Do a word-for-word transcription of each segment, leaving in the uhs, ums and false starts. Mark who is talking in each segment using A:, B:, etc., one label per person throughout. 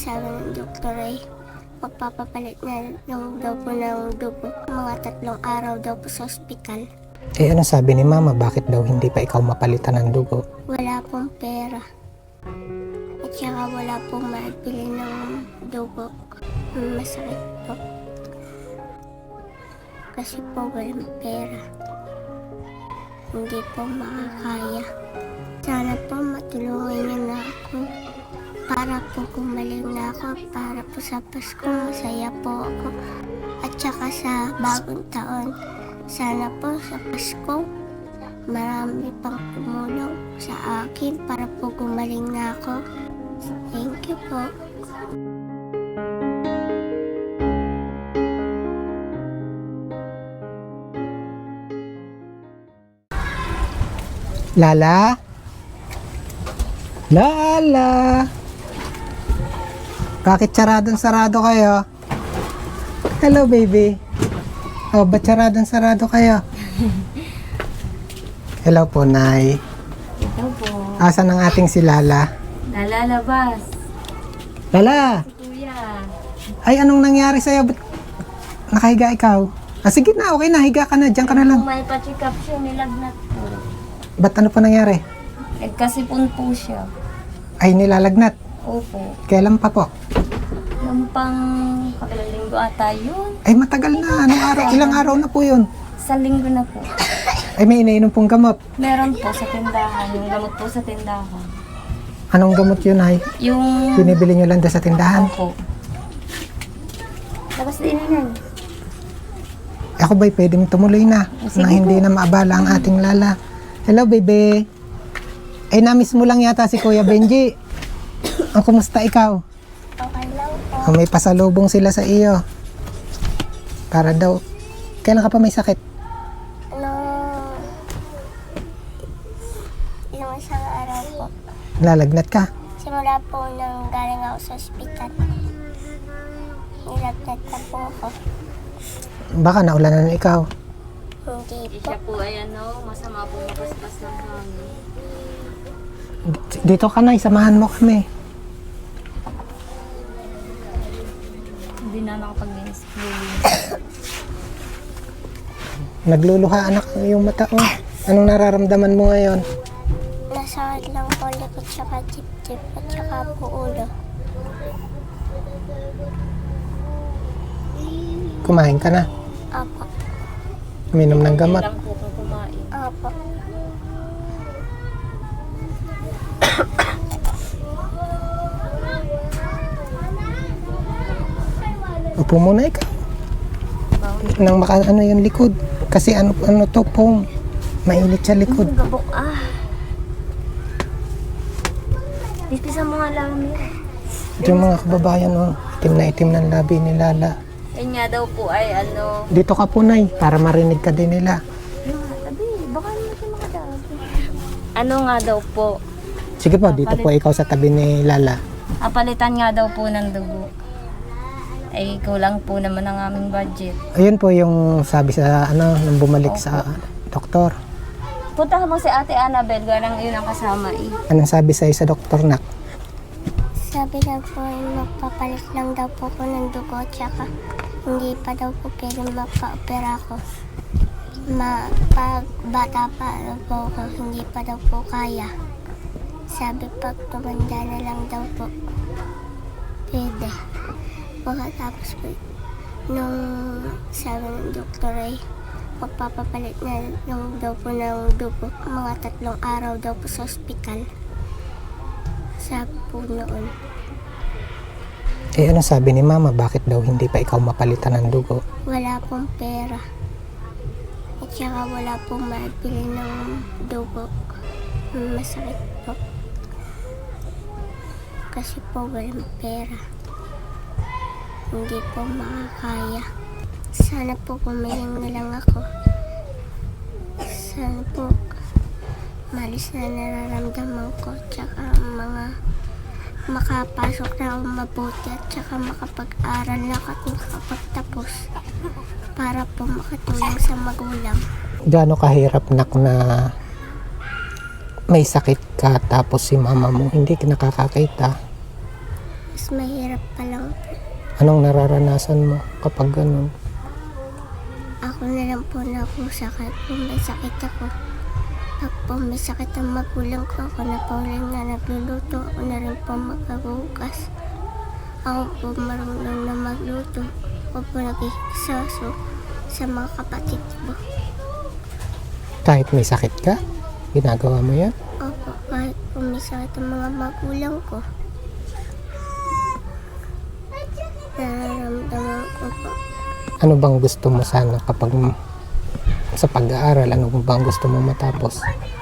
A: sabi ng doktor ay magpapapalit na lang daw po ng dugo. Mga tatlong araw daw po sa ospital.
B: Eh ano sabi ni mama, bakit daw hindi pa ikaw mapalitan ng dugo?
A: Wala pong pera. At saka wala pong maibili ng dugo. Masakit po. Kasi po walang pera. Hindi po makakaya. Sana po matulungan niyo na ako. Para po gumaling na ako. Para po sa Pasko masaya po ako. At saka sa bagong taon. Sana po sa Pasko marami pang tumulong sa akin para po gumaling na ako. Thank you po.
B: Lala? Lala? Bakit saradong-sarado kayo? Hello, baby. Oh, ba't saradong-sarado kayo? Hello po, Nay.
C: Ito po.
B: Asan ang ating si Lala?
C: Nalalabas.
B: Lala!
C: Si Kuya.
B: Ay, anong nangyari sa'yo? Ba't nakahiga ikaw? Ah, sige na, okay na. Higa ka na. Diyan ka na lang.
C: Kung may pa-check up siya, nilagnat po.
B: Ba't ano pa nangyari?
C: Nagkasipon po siya.
B: Ay, nilalagnat.
C: Opo.
B: Kailan pa po?
C: Yung pang kapilang linggo ata yun.
B: Ay, matagal na. Anong araw? Ilang araw na po yun?
C: Sa linggo na po.
B: Ay, may inainom pong gamot.
C: Meron po sa tindahan. Yung gamot po sa tindahan.
B: Anong gamot yun, Ay?
C: Yung...
B: Binibili nyo lang doon sa tindahan?
C: Opo. Labas din yan.
B: Ako ba'y pwedeng tumuloy na?
C: Sige
B: Na hindi
C: po.
B: na maabala ang ating Lala. Hello, baby. Ay, namiss mo lang yata si Kuya Benji. Ang kumusta ikaw?
A: Okay lang po.
B: Oh, may pasalubong sila sa iyo. Para daw, kailan ka pa may sakit?
A: Ano... Ilang isang araw po.
B: Lalagnat ka?
A: Simula po nang galing ako sa ospital. Nilagnat na po ako.
B: Baka naulanan na ikaw.
A: Hindi po.
C: Siya po ay ano, masama po makaspas ng hangin.
B: Dito ka na, samahan mo kami.
C: Hindi na nakapag-linis.
B: Nagluluha anak yung mata oh. Anong nararamdaman mo ngayon?
A: Nasakit lang po likod tsaka tip-tip at tsaka po ulo.
B: Kumain ka na?
A: Apo.
B: Uminom ng gamot?
C: lang po kung kumain.
A: Apo.
B: Upo muna ikaw. Nang maka ano yung likod. Kasi ano ano to pong mainit sa likod.
C: Ang gabok ah. Ispisan mo nga lang nila.
B: Ito yung mga kababayan oh. Itim na itim ng labi ni Lala.
C: Yan nga daw po ay ano.
B: Dito ka po, Nay, para marinig ka din nila.
C: Yung tabi, baka hindi siya makadabi. Ano nga daw po.
B: Sige po, dito po ikaw sa tabi ni Lala.
C: Apalitan nga daw po ng dugo. Ay kulang po naman ang aming budget.
B: Ayun po yung sabi sa ano nung bumalik sa doktor.
C: Puntahan mo si Ate Annabel, ganang yun ang kasama eh.
B: Anong sabi sa'yo sa doktor, nak?
A: Sabi na po ay magpapalit lang daw po ko ng dugo tsaka hindi pa daw po pwede mapa-opera ko. Ma, pag bata pa daw po ako, hindi pa daw po kaya. Sabi pag tumanda na lang daw po, pwede. Pagkatapos po, nung sabi ng doktor ay magpapapalit na lang daw po ng dugo. Mga tatlong araw daw po sa ospital. Sabi po noon.
B: Eh ano sabi ni Mama, bakit daw hindi pa ikaw mapalitan ng dugo?
A: Wala pong pera. At saka wala pong maibili ng dugo. Masakit po. Kasi po walang pera. Hindi po makakaya. Sana po kumiling na lang ako. Sana po malis na nararamdaman ko. Tsaka mga makapasok na ako mabuti at tsaka makapag-aral na ako at makapagtapos para po makatulong sa magulang.
B: Gaano kahirap, nak, na may sakit ka tapos si mama mo hindi nakakakita?
A: Mas mahirap pa lang po.
B: Anong nararanasan mo kapag ganun?
A: Ako na lang po nakusakit kung may sakit ako. Pag po may sakit ang magulang ko, ako na po rin na nagluluto. Ako na rin po magkagugas. Ako po marunong na magluto. Ako po nagkikisaso sa mga kapatid ko.
B: Kahit may sakit ka, ginagawa mo yan?
A: Opo, kahit po may sakit ang mga magulang ko. Nararamdaman ko po.
B: Ano bang gusto mo sana kapag m- sa pag-aaral? Ano bang gusto mo matapos?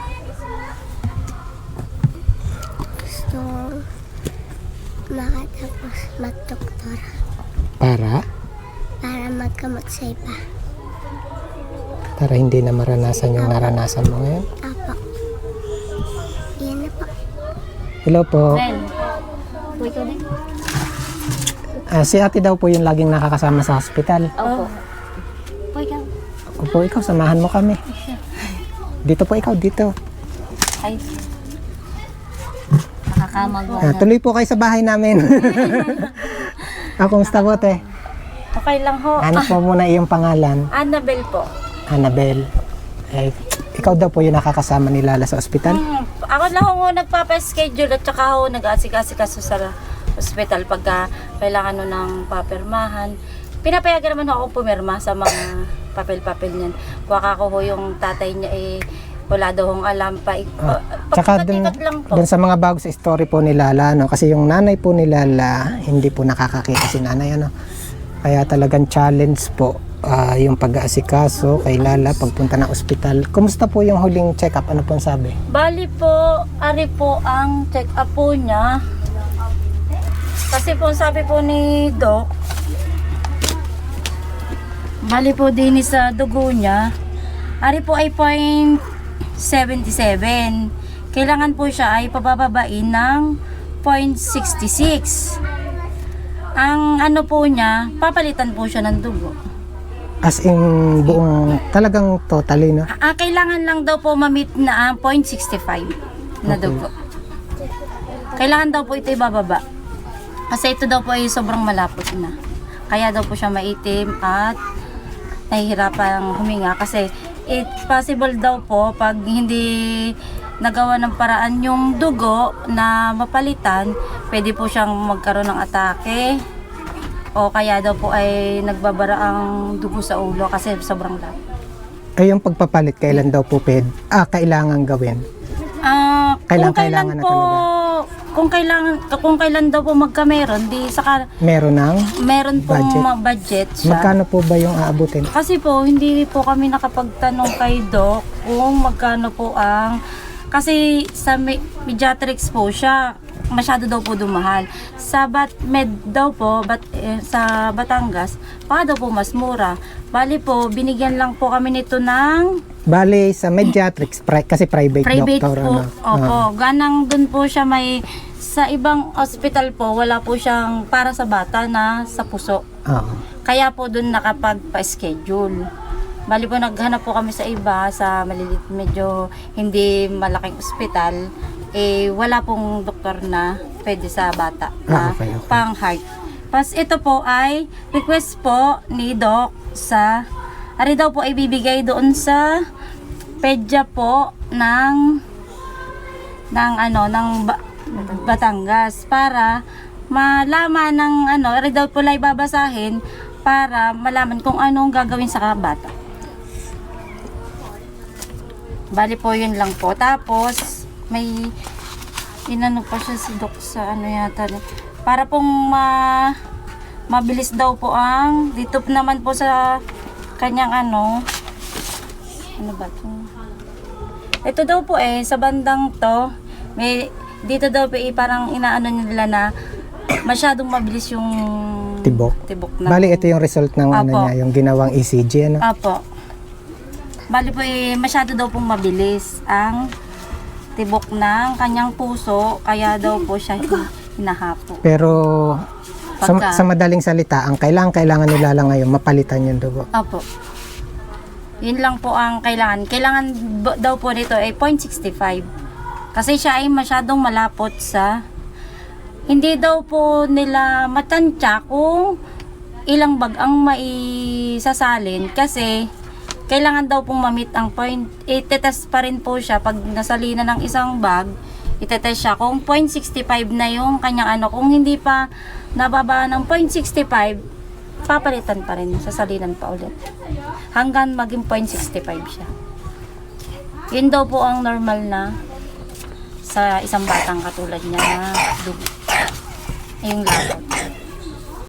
A: Gusto kong makatapos mag-doktora
B: Para?
A: para magkamot sa iba.
B: Para hindi na maranasan yung naranasan mo ngayon?
A: Apo. Yan na po.
B: Hello po.
C: Ren, po ikaw din?
B: Ah, si ate daw po yung laging nakakasama sa hospital.
C: Opo. Po ikaw?
B: Opo, ikaw, samahan mo kami. Dito po ikaw, dito.
C: Ay. Nakakamagwa
B: Ah,
C: na.
B: tuloy po kayo sa bahay namin. Ah, kumusta po, te?
C: Okay lang ho.
B: Ano po muna iyong pangalan?
C: Annabelle po.
B: Annabelle. Eh, ikaw daw po yung nakakasama ni Lala sa ospital?
C: Hmm, ako lang ho nagpapa-schedule at saka ho nag-asik-asikaso sa hospital pagka kailangan no ng papirmahan. Pinapayagan naman ho ako pumirma sa mga papel-papel niyan. Kuha ko ho yung tatay niya eh wala daw hong alam pa.
B: Ah, tsaka dun,
C: Pagkikot lang po.
B: dun sa mga bago sa story po ni Lala, no? Kasi yung nanay po ni Lala, hindi po nakakakita si nanay, ano? Kaya talagang challenge po ah, yung pag-aasikaso kay Lala pagpunta ng ospital. Kumusta po yung huling check-up? Ano po ang sabi?
C: Bali po, ari po ang check-up po niya. Kasi po sabi po ni Doc, bali po din sa dugo niya, ari po ay point seventy-seven. Kailangan po siya ay pabababain ng point sixty-six. Ang ano po niya, papalitan po siya ng dugo.
B: As in, buong, talagang totally, no?
C: Ah, kailangan lang daw po ma-meet na ang point sixty-five na
B: Okay.
C: dugo. Kailangan daw po ito ibababa. Kasi ito daw po ay sobrang malapot na. Kaya daw po siya maitim at nahihirapang huminga kasi it's possible daw po pag hindi nagawa ng paraan yung dugo na mapalitan, pwede po siyang magkaroon ng atake o kaya daw po ay nagbabara ang dugo sa ulo kasi sobrang lapot.
B: Ay, yung pagpapalit, kailan daw po ped? Ah, kailangan gawin.
C: Ah,
B: Kailan-
C: kung kailan
B: kailangan na
C: po, kung kailangan kung kailan daw po magkameron, di saka
B: Meron ng?
C: meron pong
B: Budget.
C: ma- budget siya.
B: Magkano po ba yung aabutin?
C: Kasi po hindi po kami nakapagtanong kay Doc kung magkano po ang kasi sa me- pediatrics po siya masyado daw po dumahal. Sa Batmed daw po, bat, eh, sa Batangas, pa daw po mas mura. Bali po, binigyan lang po kami nito ng
B: Bale, sa Mediatrix, pri- kasi private,
C: private
B: doctor,
C: po.
B: ano?
C: Opo,
B: Ah.
C: ganang dun po siya may sa ibang hospital po, wala po siyang para sa bata na sa puso.
B: Ah.
C: Kaya po dun nakapagpa-schedule. Bali po naghanap po kami sa iba, sa malilit, medyo hindi malaking ospital. Eh, wala pong doktor na pwede sa bata
B: Ah,
C: na
B: okay, okay.
C: pang heart. Pas ito po ay request po ni Doc sa ari daw po ay bibigay doon sa pedya po ng ng ano ng Ba- Batangas para malaman ng ano ari daw po ay babasahin para malaman kung anong gagawin sa bata. Bali po yun lang po. Tapos may inano pa siya si Doc sa ano yata para pong ma mabilis daw po ang dito naman po sa kanyang ano ano ba to? Ito daw po eh sa bandang to may dito daw po eh parang inaano nila na masyadong mabilis yung
B: Tibok.
C: tibok na.
B: Bali, ito yung result ng ano
C: Apo.
B: niya, yung ginawang E C G, ano?
C: Apo. Bali po eh masyado daw pong mabilis ang tibok ng kanyang puso kaya daw po siya hinahapo.
B: Pero, sa,
C: Pagka-
B: sa madaling salita, ang kailangan, kailangan nila lang ngayon, mapalitan yung dugo.
C: Apo. Yun lang po ang kailangan. Kailangan b- daw po nito ay point sixty-five. Kasi siya ay masyadong malapot sa hindi daw po nila matansya kung ilang bag ang maisasalin kasi kailangan daw pong mamit ang point. Itetest pa rin po siya pag nasalina ng isang bag, itetest siya kung point six five na yung kanyang ano. Kung hindi pa nababa ng point six five, papalitan pa rin, sasalinan pa ulit hanggang maging point six five siya. Yun daw po ang normal na sa isang batang katulad niya na dugo, yung labot.